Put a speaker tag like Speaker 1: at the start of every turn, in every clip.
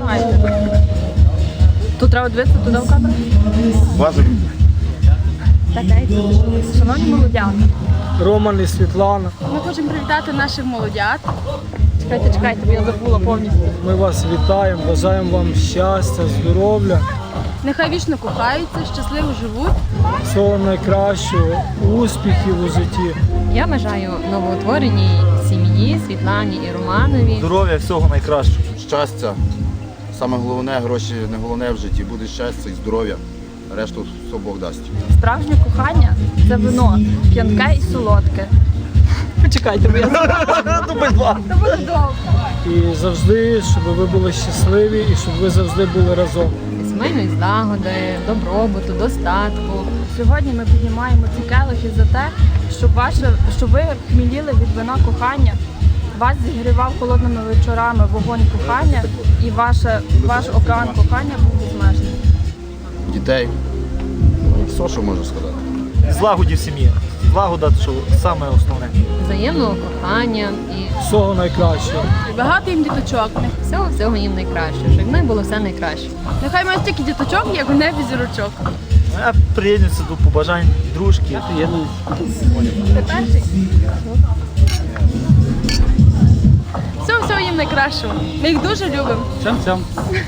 Speaker 1: знімаєте? Тут треба дивитися туди в камеру?
Speaker 2: Базові.
Speaker 1: Так, дайте. Шановні молодята,
Speaker 3: Роман і Світлана,
Speaker 1: ми хочемо привітати наших молодят. Чекайте, бо я забула повністю.
Speaker 3: ми вас вітаємо, бажаємо вам щастя, здоров'я,
Speaker 1: Нехай вічно кохаються, щасливо живуть.
Speaker 3: всього найкращого, успіхів у житті.
Speaker 4: Я бажаю новоутвореній сім'ї Світлані і Романові.
Speaker 2: Здоров'я, всього найкращого.
Speaker 5: Щастя. Саме головне, гроші не головне в житті. Буде щастя і здоров'я. Решту все Бог дасть.
Speaker 1: Справжнє кохання – це вино, п'янке і солодке. Почекайте, бо я забула. Це буде довго.
Speaker 3: І завжди, щоб ви були щасливі і щоб ви завжди були разом.
Speaker 4: Сімейної злагоди, добробуту, достатку.
Speaker 1: Сьогодні ми піднімаємо ці келихи за те, щоб ви хміліли від вина кохання, вас зігрівав холодними вечорами вогонь кохання і ваш океан кохання був безмежний.
Speaker 5: Дітей. Все, що можу сказати.
Speaker 2: Злагоді в сім'ї. Злагода, що саме основне.
Speaker 4: Взаємного кохання і
Speaker 3: Всього найкращого.
Speaker 1: Багато їм діточок.
Speaker 4: всього їм найкращого, щоб в них було все найкраще.
Speaker 1: Нехай мають стільки діточок, як у небі зірочок.
Speaker 2: Я приєднуюся до побажань дружки.
Speaker 1: Ти перший? Всього їм найкращого. Ми їх дуже любимо.
Speaker 3: Цям-цям.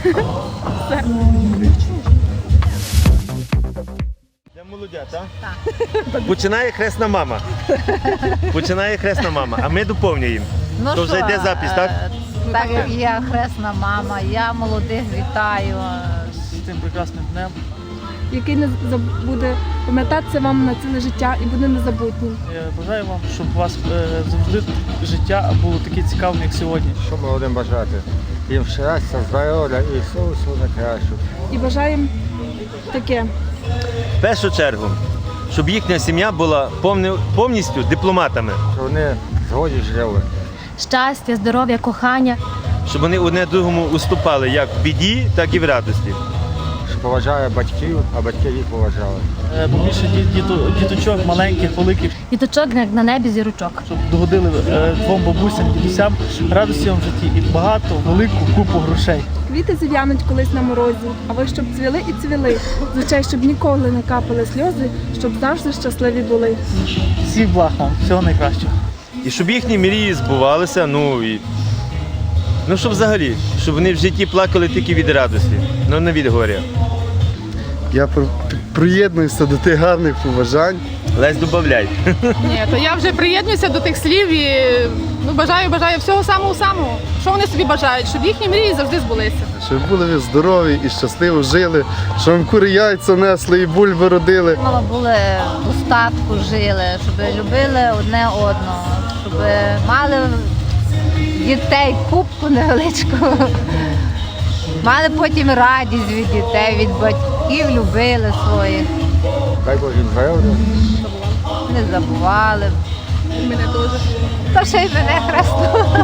Speaker 6: Для молодят, так? Так. Починає хресна мама. Починає хресна мама, а ми доповнюємо.
Speaker 7: Ну
Speaker 6: То вже йде запис, так?
Speaker 7: Так як я хресна мама, я молодих вітаю.
Speaker 2: З цим прекрасним днем.
Speaker 1: Який не буде пам'ятатися вам на ціле життя і буде незабутнім.
Speaker 2: Я бажаю вам, щоб у вас завжди життя було таке цікаве, як сьогодні.
Speaker 8: Що ми будемо бажати? Їм щастя, здоров'я і всього найкращого.
Speaker 1: І бажаємо таке.
Speaker 6: В першу чергу, щоб їхня сім'я була повністю дипломатами,
Speaker 8: Що вони згоді жили.
Speaker 9: Щастя, здоров'я, кохання.
Speaker 6: щоб вони одне другому уступали як в біді, так і в радості.
Speaker 8: Що поважає батьків, а батьки їх поважали.
Speaker 2: Побільше діточок, маленьких, великих,
Speaker 9: Діточок як на небі зірочок.
Speaker 2: щоб догодили двом бабусям, дідусям радості вам в житті і багато, велику купу грошей.
Speaker 1: Квіти зів'януть колись на морозі, а ви щоб цвіли і цвіли. З очей, щоб ніколи не капали сльози, щоб завжди щасливі були.
Speaker 2: Всіх благ вам, всього найкращого.
Speaker 6: І щоб їхні мрії збувалися, щоб взагалі, щоб вони в житті плакали тільки від радості, не від горя.
Speaker 10: Я приєднуюся до тих гарних побажань.
Speaker 6: Лесь, добавляй.
Speaker 11: Ні, то я вже приєднуюся до тих слів і бажаю всього самого-самого. Що вони собі бажають, щоб їхні мрії завжди збулися.
Speaker 10: Щоб були ви здорові і щасливо жили, щоб вам кури яйця несли і бульби родили.
Speaker 7: Мало були в достатку жили, щоб любили одне одного, щоб мали дітей кубку невеличку. Мали потім радість від дітей, від батьків, любили своїх,
Speaker 8: Дай Бог їм здоров'я.
Speaker 7: не забували.
Speaker 1: Мене теж.
Speaker 7: Та ще й мене хрестили.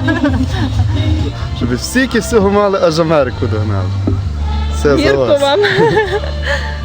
Speaker 10: Щоб всі всього мали, аж Америку догнали. Все за вас.
Speaker 1: вам.